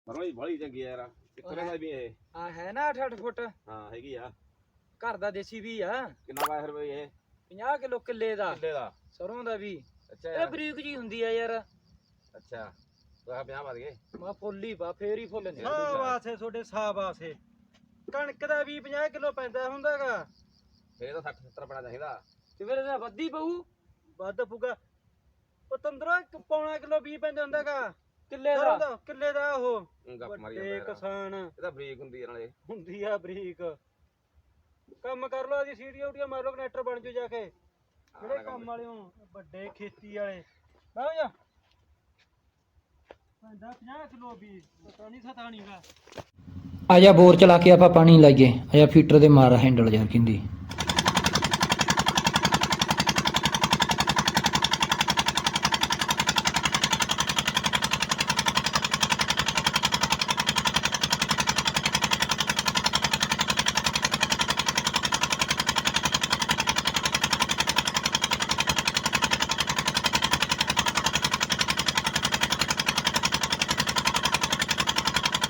ਮਰੋਈ ਬੜੀ ਚੰਗੀ ਆ ਯਾਰ ਕਿੱਥੇ ਦਾ ਵੀ ਇਹ ਆ ਹੈ ਨਾ 8-8 ਫੁੱਟ ਹਾਂ ਹੈਗੀ ਆ ਘਰ ਦਾ ਦੇਸੀ ਵੀ ਆ ਕਿੰਨਾ ਪਾਇਆ ਫਿਰ ਬਈ ਇਹ 50 ਕਿਲੋ ਕਿੱਲੇ ਦਾ ਸਰੋਂ ਦਾ ਵੀ ਅੱਛਾ ਇਹ ਬਰੀਕ ਜੀ ਹੁੰਦੀ ਆ ਯਾਰ ਅੱਛਾ ਤਾਂ 50 ਵਧ ਗਏ ਮਾ ਫੁੱਲ ਹੀ ਪਾ ਫੇਰ ਹੀ ਫੁੱਲ ਨੇ ਸਾਬਾਸ ਏ ਤੁਹਾਡੇ ਸਾਬਾਸ ਏ ਕਣਕ ਦਾ ਵੀ 50 ਕਿਲੋ ਪੈਂਦਾ ਹੁੰਦਾਗਾ ਫੇਰ ਤਾਂ 60 70 ਪੈਣਾ ਚਾਹੀਦਾ ਤੇ ਫਿਰ ਇਹਦਾ ਵੱਧੀ ਪਊ ਵੱਧ ਪੁਗਾ ਪਤੰਦਰਾ ਪੌਣਾ ਕਿਲੋ ਵੀ ਪੈਂਦਾ ਹੁੰਦਾਗਾ ਕਿੱਲੇ ਦਾ ਕਿੱਲੇ ਦਾ ਉਹ ਗੱਪ ਮਾਰੀ ਵੱਡੇ ਜਾਂਦਾ ਕਿਸਾਨ ਇਹ ਤਾਂ ਬਰੀਕ ਹੁੰਦੀ ਆ ਨਾਲੇ ਹੁੰਦੀ ਆ ਬਰੀਕ ਕੰਮ ਕਰ ਲੋ ਆਦੀ ਸੀੜੀਆਂ ਉਟੀਆਂ ਮਾਰ ਲੋ ਕਨੈਕਟਰ ਬਣ ਜੂ ਜਾ ਕੇ ਜਿਹੜੇ ਕੰਮ ਵਾਲੇ ਹੋ ਵੱਡੇ ਖੇਤੀ ਵਾਲੇ ਬਾਹੋ ਜਾ ਪੈਂਦਾ 50 ਕਿਲੋ ਵੀ ਪਤਾ ਨਹੀਂ ਸਤਾ ਨਹੀਂਗਾ ਆਜਾ ਬੋਰ ਚਲਾ ਕੇ ਆਪਾਂ ਪਾਣੀ ਲਾਈਏ ਆਜਾ ਫੀਟਰ ਦੇ ਮਾਰ ਹੈਂਡਲ ਯਾਰ ਕਿੰਦੀ